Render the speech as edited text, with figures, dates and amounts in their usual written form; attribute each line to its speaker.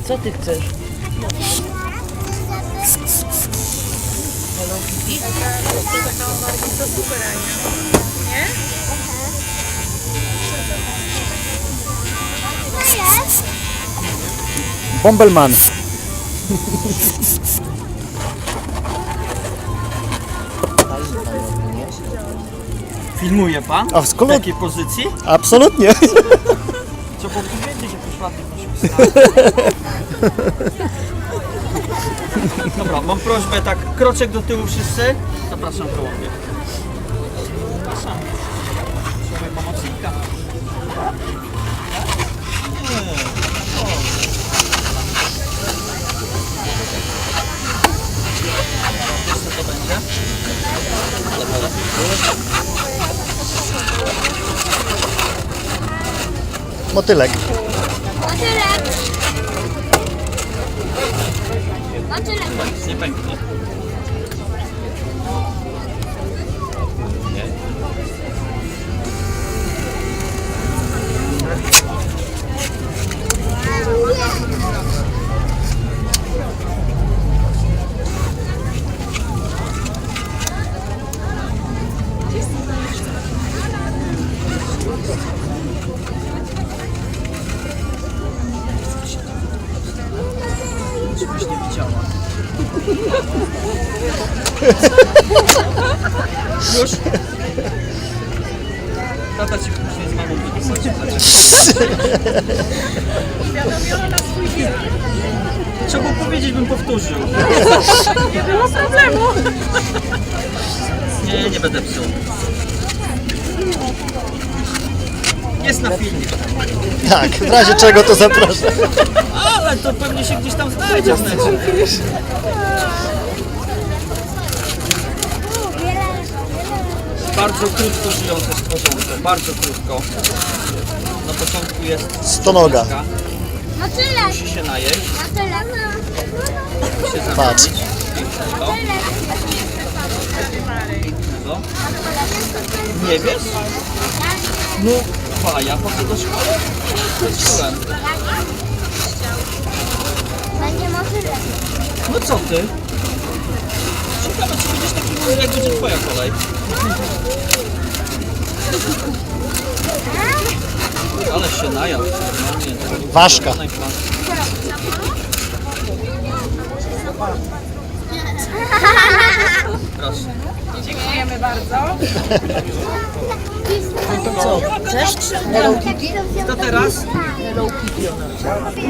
Speaker 1: Co ty chcesz? Hello Kitty?
Speaker 2: To super, Ania. Nie?
Speaker 3: Bombelman.
Speaker 4: Filmuje pan?
Speaker 3: A w
Speaker 4: W
Speaker 3: skolo...
Speaker 4: takiej pozycji?
Speaker 3: Absolutnie.
Speaker 4: Co pan tu wiedzieć, jak już ładnie nosił stronę. Dobra, mam prośbę tak, kroczek do tyłu wszyscy. Zapraszam koło mnie. Zapraszam. Słuchaj pomocnika. Wiesz co to będzie?
Speaker 3: Motylek.
Speaker 4: Nic nie pęknie. Nie? Żebyś nie widziała. Już? Tata ci później z mamą wypisacie.
Speaker 2: Uświadomiono na swój wiek.
Speaker 4: Trzeba było powiedzieć, bym powtórzył.
Speaker 2: Nie było problemu.
Speaker 4: Nie, nie będę psuł. Jest na filmie.
Speaker 3: Tak, w razie czego to zapraszam.
Speaker 4: Ale to pewnie się gdzieś tam znajdzie w necie. Bardzo krótko żyjące stworzonko, bardzo krótko. Na początku jest
Speaker 3: Stonoga.
Speaker 4: stonoga, musi się najeść, musi się
Speaker 3: Patrz.
Speaker 4: zamienić. Pięknego. Pięknego. Nie wiesz? No, ja chodzę do szkoły. Chodziłem. No co ty? Ciekawe, czy będziesz taki mądry, jak będzie twoja kolej. Ale się najadł. Normalnie.
Speaker 3: Ważka.
Speaker 4: Proszę.
Speaker 2: Dziękujemy bardzo.
Speaker 1: Co? Chcesz? Hello Kitty?
Speaker 4: To teraz?
Speaker 1: Hello Kitty ona chce.